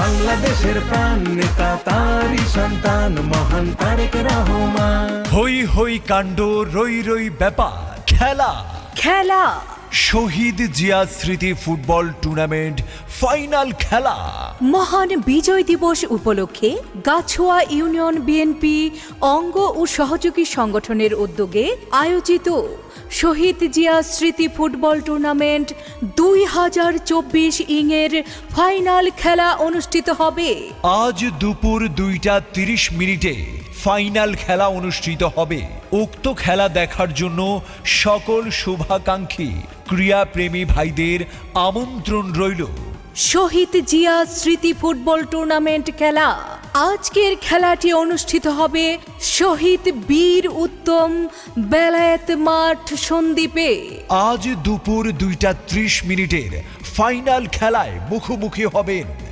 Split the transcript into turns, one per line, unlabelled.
বাংলাদেশের প্রাণ নেতা তারই সন্তান মহান তারেক রহমান।
হই হই কাণ্ড, রই রই ব্যাপার, খেলা
খেলা
শহীদ জিয়া স্মৃতি ফুটবল টুর্নামেন্ট ফাইনাল খেলা।
মহান বিজয় দিবস উপলক্ষে গাছোয়া ইউনিয়ন বিএনপি অঙ্গ ও সহযোগী সংগঠনের উদ্যোগে আয়োজিত শহীদ জিয়া স্মৃতি ফুটবল টুর্নামেন্ট 2024 এর ফাইনাল খেলা অনুষ্ঠিত হবে।
আজ দুপুর 2:30 ফাইনাল খেলা অনুষ্ঠিত হবে। উক্ত খেলা দেখার জন্য সকল শুভাকাঙ্ক্ষী ক্রীড়াপ্রেমী ভাইদের আমন্ত্রণ রইল।
শহীদ জিয়া স্মৃতি ফুটবল টুর্নামেন্ট খেলা। আজকের খেলাটি অনুষ্ঠিত হবে শহীদ বীর উত্তম বেলায়েত মাঠ সন্দ্বীপে।
আজ দুপুর 2:30 ফাইনাল খেলায় মুখোমুখি হবেন